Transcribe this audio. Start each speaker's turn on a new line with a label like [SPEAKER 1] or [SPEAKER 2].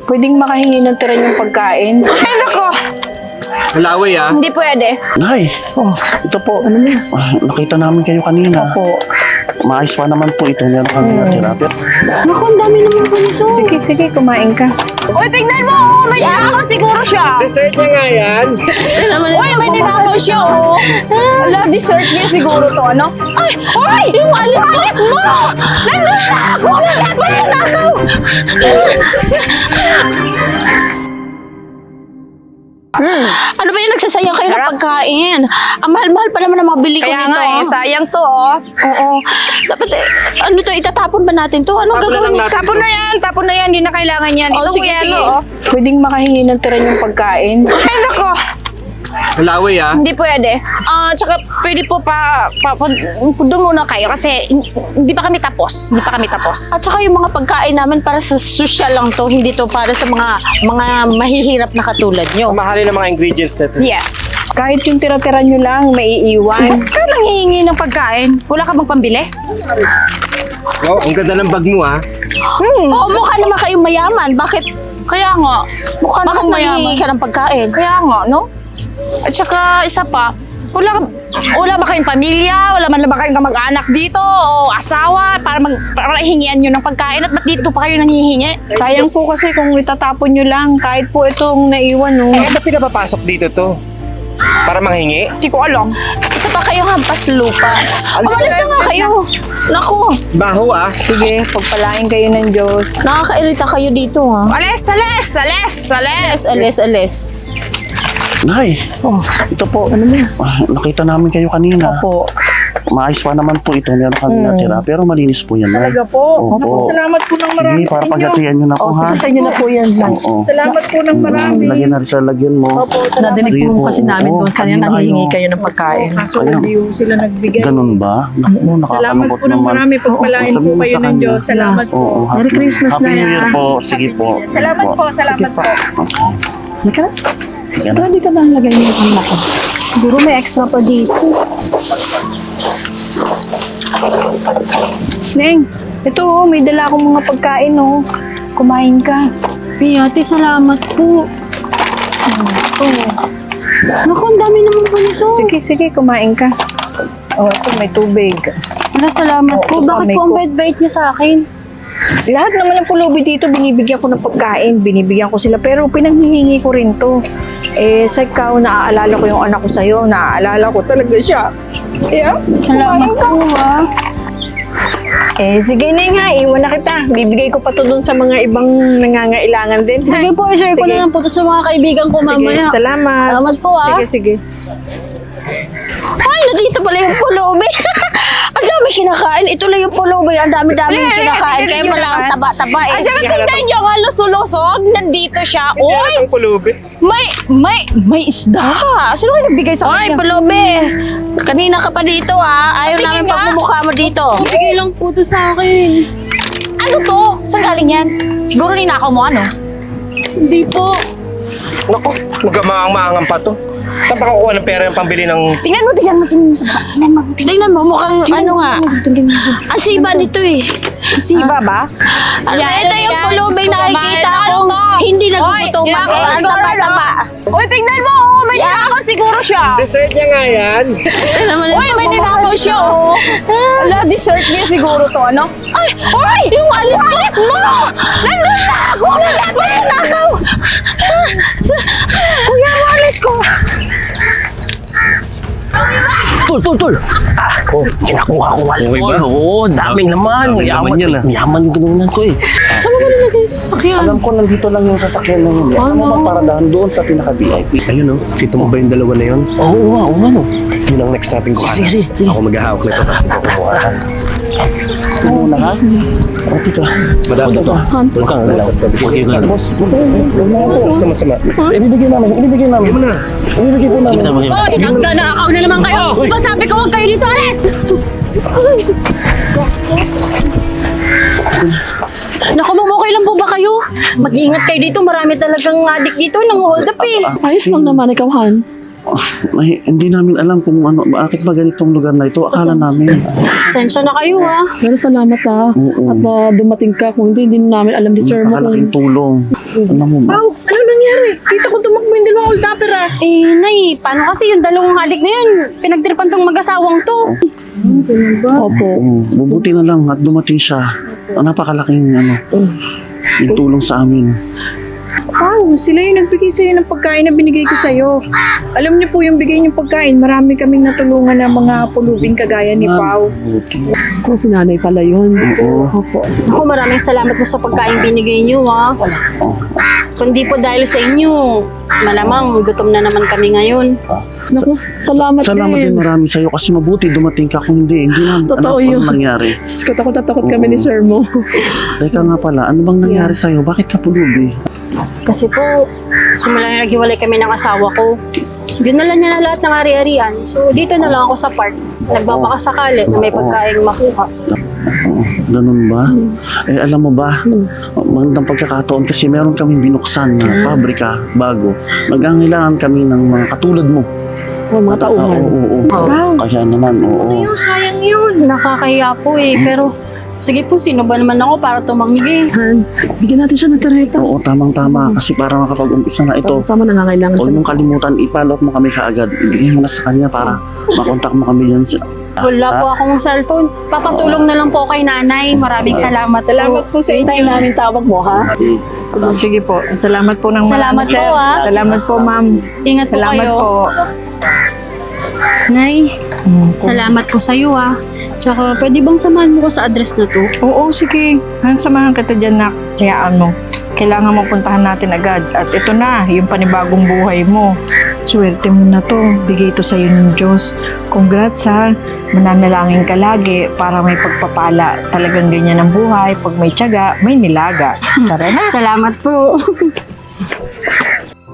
[SPEAKER 1] Pwedeng makahingi ng tira yung pagkain.
[SPEAKER 2] Ay, nako!
[SPEAKER 3] Malaway ah.
[SPEAKER 2] Hindi pwede.
[SPEAKER 4] Nay, ito po.
[SPEAKER 1] Ano na?
[SPEAKER 4] Nakita namin kayo kanina.
[SPEAKER 1] Opo.
[SPEAKER 4] Maayos pa naman po ito. Meron kami natira.
[SPEAKER 1] Naku, ang dami naman po nito. Sige, sige, kumain ka.
[SPEAKER 2] Uy, tignan mo! May ninakaw siguro siya!
[SPEAKER 3] Dessert niya nga yan.
[SPEAKER 2] Uy, may ninakaw siya, oh! Ala, dessert niya siguro to, ano? Ay! Uy! Yung alit mo! Nanakaw! Nanakaw!
[SPEAKER 5] Ano ba yung nagsasayang kayo ng pagkain? Ang mahal-mahal pa naman ang mabili ko
[SPEAKER 2] Kaya
[SPEAKER 5] nito.
[SPEAKER 2] nga eh, sayang to, oh.
[SPEAKER 5] Oo. Dapat ano to, itatapon ba natin to? Anong
[SPEAKER 3] Tapon na
[SPEAKER 5] gagawin
[SPEAKER 3] lang
[SPEAKER 5] natin?
[SPEAKER 2] Tapon na yan, hindi na kailangan yan.
[SPEAKER 5] Oh,
[SPEAKER 2] Ito,
[SPEAKER 5] sige,
[SPEAKER 2] yan,
[SPEAKER 5] sige.
[SPEAKER 2] oh.
[SPEAKER 1] Pwedeng makahingi ng tira yung pagkain.
[SPEAKER 2] Ay, nako!
[SPEAKER 3] Malaway ah.
[SPEAKER 2] Hindi pwede. Tsaka pwede po doon muna kayo kasi hindi pa kami tapos. Hindi pa kami tapos.
[SPEAKER 5] At saka yung mga pagkain namin para sa social lang to, hindi to para sa mga mahihirap na katulad nyo.
[SPEAKER 3] Mahalin ang mga ingredients nito.
[SPEAKER 2] Yes.
[SPEAKER 1] Kahit yung tira-tira nyo lang, maiiwan.
[SPEAKER 2] Ka nang hihingi ng pagkain. Wala ka bang pambili?
[SPEAKER 3] Wow, ang ganda ng bag mo ah.
[SPEAKER 5] Oo, mukha naman kayong mayaman. Bakit?
[SPEAKER 2] Kaya nga. Mukha
[SPEAKER 5] Bakit
[SPEAKER 2] namang
[SPEAKER 5] nangihingi
[SPEAKER 2] mayaman.
[SPEAKER 5] ka ng pagkain?
[SPEAKER 2] Kaya nga, no? At saka, isa pa, wala ba kayong pamilya? Wala man ba kayong kamag-anak dito? O asawa? Para hingian nyo ng pagkain at ba't dito pa kayo nanghihingi?
[SPEAKER 1] Sayang po kasi kung itatapon nyo lang, kahit po itong naiwan, no?
[SPEAKER 3] Eh, ba't pinapapasok dito to? Para manghingi?
[SPEAKER 2] Hindi ko alam.
[SPEAKER 5] Isa pa kayo hampas lupa. Umalis na nga kayo. Naku,
[SPEAKER 3] Baho ah.
[SPEAKER 1] Sige, pagpalain kayo ng Diyos.
[SPEAKER 5] nakakairita kayo dito ha.
[SPEAKER 2] Alis!
[SPEAKER 5] Alis.
[SPEAKER 4] Nay, ito po. Nakita namin kayo kanina.
[SPEAKER 1] Opo.
[SPEAKER 4] Maayos pa naman po ito. Meron kami natira. Pero malinis po yan, Nay.
[SPEAKER 1] Talaga po.
[SPEAKER 4] Opo.
[SPEAKER 1] Naku, salamat po ng
[SPEAKER 4] Sige,
[SPEAKER 1] marami
[SPEAKER 4] para
[SPEAKER 1] sa inyo.
[SPEAKER 4] paghatian nyo na po,
[SPEAKER 1] O,
[SPEAKER 4] ha?
[SPEAKER 1] sige, sa inyo na po yan.
[SPEAKER 4] Oo.
[SPEAKER 1] Salamat po ng marami.
[SPEAKER 4] Lagyan na sa lagyan mo.
[SPEAKER 1] Opo, salamat.
[SPEAKER 6] Nadinig
[SPEAKER 4] Sige
[SPEAKER 6] po
[SPEAKER 4] po,
[SPEAKER 6] kasi namin
[SPEAKER 4] oo.
[SPEAKER 6] doon kanina
[SPEAKER 4] Kanina
[SPEAKER 6] nanghihingi
[SPEAKER 4] kayo.
[SPEAKER 6] kayo ng pagkain.
[SPEAKER 1] Kaso hindi po sila nagbigay.
[SPEAKER 4] Ganun ba? Naku,
[SPEAKER 1] Salamat
[SPEAKER 4] nakakalungkot
[SPEAKER 1] po ng
[SPEAKER 4] naman.
[SPEAKER 1] marami. Pagpalain
[SPEAKER 4] Sabihin
[SPEAKER 1] po
[SPEAKER 4] mo
[SPEAKER 1] kayo
[SPEAKER 4] sa
[SPEAKER 1] ng
[SPEAKER 4] kanya.
[SPEAKER 1] Diyos. Salamat po.
[SPEAKER 4] Oo,
[SPEAKER 6] Merry Christmas
[SPEAKER 4] Happy
[SPEAKER 6] na
[SPEAKER 4] New
[SPEAKER 6] yan.
[SPEAKER 4] Year po. Sige po.
[SPEAKER 1] Salamat po. Salamat po.
[SPEAKER 6] Halika na.
[SPEAKER 4] Sige na.
[SPEAKER 6] Tara dito na ang lagay niyo yung pangmata.
[SPEAKER 5] Siguro may extra pa dito.
[SPEAKER 1] Neng, ito oh, may dala akong mga pagkain oh. Kumain ka.
[SPEAKER 5] Ate, salamat po. Naku, ang dami naman po nito.
[SPEAKER 1] Sige, sige, kumain ka. Oh, ito may tubig.
[SPEAKER 5] Salamat po.
[SPEAKER 1] Oo,
[SPEAKER 5] Bakit
[SPEAKER 1] may
[SPEAKER 5] po ang
[SPEAKER 1] cook.
[SPEAKER 5] bait-bait niya sa akin?
[SPEAKER 1] Lahat naman ng pulubi dito, binibigyan ko ng pagkain. Binibigyan ko sila. Pero pinanghihingi ko rin to. Eh, sa ikaw, naaalala ko yung anak ko sa'yo. Naaalala ko talaga siya. Yeah,
[SPEAKER 5] Salamat
[SPEAKER 1] kumain ka.
[SPEAKER 5] po ha.
[SPEAKER 1] Eh, sige Neng ha, iwan na kita. Bibigay ko pa to dun sa mga ibang nangangailangan din. ha?
[SPEAKER 5] Sige po, share ko
[SPEAKER 1] Sige.
[SPEAKER 5] na lang po to sa mga kaibigan ko mamaya.
[SPEAKER 1] Sige, salamat.
[SPEAKER 5] Salamat po ha.
[SPEAKER 1] Sige, sige.
[SPEAKER 5] Ay, nandito pala yung pulubi. Ang dami kinakain. Ito lang yung pulubi. Ang dami-dami kinakain. Kaya pala ang taba-taba eh.
[SPEAKER 2] At saka tignan nyo nga, lusulusog. Nandito siya.
[SPEAKER 3] Hindi
[SPEAKER 2] Uy!
[SPEAKER 3] halatang pulubi.
[SPEAKER 2] May isda. Sino ka nagbigay sa
[SPEAKER 5] Ay,
[SPEAKER 2] kanya?
[SPEAKER 5] pulubi. Kanina ka pa dito ha. Ayaw
[SPEAKER 2] Tingin
[SPEAKER 5] namin
[SPEAKER 2] nga.
[SPEAKER 5] pagmumukha mo dito.
[SPEAKER 2] Bigay lang po to sa akin. Ano to? Saan galing yan? Siguro ninakaw mo ano?
[SPEAKER 5] Hindi po.
[SPEAKER 3] Naku, magamaang-maangan pa to. Saan pa kukuha ng pera yung pambili ng...
[SPEAKER 2] Tingnan mo sa baba. Tingnan mo.
[SPEAKER 5] Tingnan mo, mukhang ano nga. Ang siba nito eh.
[SPEAKER 2] Siba ba?
[SPEAKER 5] Ano,
[SPEAKER 2] Yan,
[SPEAKER 5] ito yung
[SPEAKER 2] yan.
[SPEAKER 5] pulubing
[SPEAKER 2] Gusto ko
[SPEAKER 5] nakikita
[SPEAKER 2] kumain.
[SPEAKER 5] kong
[SPEAKER 2] Ano to?
[SPEAKER 5] hindi
[SPEAKER 2] Hoy,
[SPEAKER 5] nagugutuman.
[SPEAKER 2] yan,
[SPEAKER 5] Ang
[SPEAKER 2] siguro,
[SPEAKER 5] taba-taba.
[SPEAKER 2] Uy, tingnan mo. May ninakaw siguro siya.
[SPEAKER 3] Dessert niya nga yan.
[SPEAKER 2] Uy, may ninakaw siya. Oh. Ala, dessert niya siguro to, ano? Ay! Uy! Yung alit mo! Nanakaw! Nanakaw! Kuya, wallet ko!
[SPEAKER 6] Tol! Oh, kinakuha ko wallet
[SPEAKER 4] Okay
[SPEAKER 6] ko.
[SPEAKER 4] ba?
[SPEAKER 6] Oo, daming naman.
[SPEAKER 4] Daming naman yan, ah.
[SPEAKER 6] Yaman yung ginunan ko eh. Saan mo ba nilagay sa sasakyan?
[SPEAKER 4] Alam ko, nandito lang yung sasakyan na yun. Ano naman paradahan doon sa pinaka-VIP.
[SPEAKER 7] Ayun oh, kita mo ba yung dalawa na yun?
[SPEAKER 6] Oo nga no.
[SPEAKER 7] Yun ang next natin kuhanan.
[SPEAKER 6] Sige.
[SPEAKER 7] Ako maghahawak nito tapos ikaw kumuha.
[SPEAKER 4] Ito muna ha. O, dito.
[SPEAKER 7] Madami to.
[SPEAKER 6] Tulog ka nga lang. Okay ka lang.
[SPEAKER 4] Boss, huwag na po.
[SPEAKER 7] Masama.
[SPEAKER 4] Ibibigay namin. Ibibigay po namin.
[SPEAKER 5] Hoy, nanakaw na naman kayo. Di ba sabi ko huwag kayo dito, alis! Naku, ma'am, okay lang po ba kayo? Mag-iingat kayo dito. Marami talagang adik dito. Nang-hold up eh.
[SPEAKER 6] Ayos lang naman ikaw, Han.
[SPEAKER 4] Hindi namin alam kung ano, bakit ba ganitong lugar na ito. Akala namin.
[SPEAKER 5] Sensya na kayo ha.
[SPEAKER 8] Pero salamat ha.
[SPEAKER 4] Oo.
[SPEAKER 8] At na dumating ka. Kung hindi namin alam ni Sir mo
[SPEAKER 4] Napakalaking
[SPEAKER 8] kung...
[SPEAKER 4] tulong. Alam mo ba?
[SPEAKER 1] Pao, ano nangyari? Kita ko tumakbo yung dalawang old dapper ah.
[SPEAKER 5] Eh, Nay, paano kasi yung dalawang halik na yun? Pinagtripan tong mag-asawang to.
[SPEAKER 8] Opo.
[SPEAKER 4] Bubuti na lang at dumating siya. Napakalaking yung tulong sa amin.
[SPEAKER 1] Pao, sila yung nagbigay sa'yo ng pagkain na binigay ko sa'yo. Alam niyo po yung bigay niyong pagkain, marami kaming natulungan ng mga pulubing kagaya ni Pao.
[SPEAKER 4] Buti.
[SPEAKER 8] Kung si nanay pala yun.
[SPEAKER 4] Oo.
[SPEAKER 8] Opo.
[SPEAKER 5] Ako, maraming salamat po sa pagkain binigay niyo ha. Kundi po dahil sa inyo, malamang gutom na naman kami ngayon.
[SPEAKER 8] Naku, salamat
[SPEAKER 4] Salamat din marami sa'yo kasi mabuti dumating ka. Kung hindi na
[SPEAKER 8] Totoo
[SPEAKER 4] ano
[SPEAKER 8] yun.
[SPEAKER 4] pang nangyari.
[SPEAKER 8] Diyos ko, takot na takot kami ni Sir mo.
[SPEAKER 4] Teka nga pala, ano bang nangyari sa'yo? Bakit ka pulubi?
[SPEAKER 5] Kasi po, simula na naghiwalay kami ng asawa ko, dinala niya na lahat ng ari-arian. So, dito na lang ako sa park. Nagbabakasakali na may pagkain makuha.
[SPEAKER 4] Oo, ganun ba? Eh, alam mo ba, magandang pagkakataon kasi meron kaming binuksan na pabrika bago. Magangailangan kami ng mga katulad mo.
[SPEAKER 8] O, mga tauhan.
[SPEAKER 4] Oo. Kaya naman, oo.
[SPEAKER 1] Yung sayang yun.
[SPEAKER 5] Nakakahiya po pero sige po, sino ba naman ako para tumanggi?
[SPEAKER 8] Han, bigyan natin siya ng tarjeta.
[SPEAKER 4] Oo, tamang-tama. Kasi para makapag-umpisa na ito,
[SPEAKER 8] Tama, nangangailangan
[SPEAKER 4] huwag
[SPEAKER 8] ka.
[SPEAKER 4] mong kalimutan, ipalot mo kami kaagad. Ibigay mo na sa kanya para makontak mo kami yan.
[SPEAKER 5] Wala po akong cellphone. Papatulong na lang po kay nanay. Maraming salamat.
[SPEAKER 1] Salamat po sa inyo.
[SPEAKER 8] Hintayin namin tawag mo, ha?
[SPEAKER 1] Sige po. Salamat po ng
[SPEAKER 5] Salamat
[SPEAKER 1] marami, sir.
[SPEAKER 5] po, ah.
[SPEAKER 1] Salamat po, ma'am.
[SPEAKER 5] Ingat po
[SPEAKER 1] Salamat
[SPEAKER 5] kayo.
[SPEAKER 1] po.
[SPEAKER 5] Nay, salamat po sa'yo Tsaka pwede bang samahan mo ko sa address na to?
[SPEAKER 1] Oo, sige. Samahan kita dyan, nak. Hayaan mo. Kailangan mapuntahan natin agad. At ito na, yung panibagong buhay mo. Swerte mo na to. Bigay to sa'yo ng Diyos. Congrats ha. Mananalangin ka lagi para may pagpapala. Talagang ganyan ang buhay. Pag may tiyaga, may nilaga. Tara na.
[SPEAKER 5] Salamat po.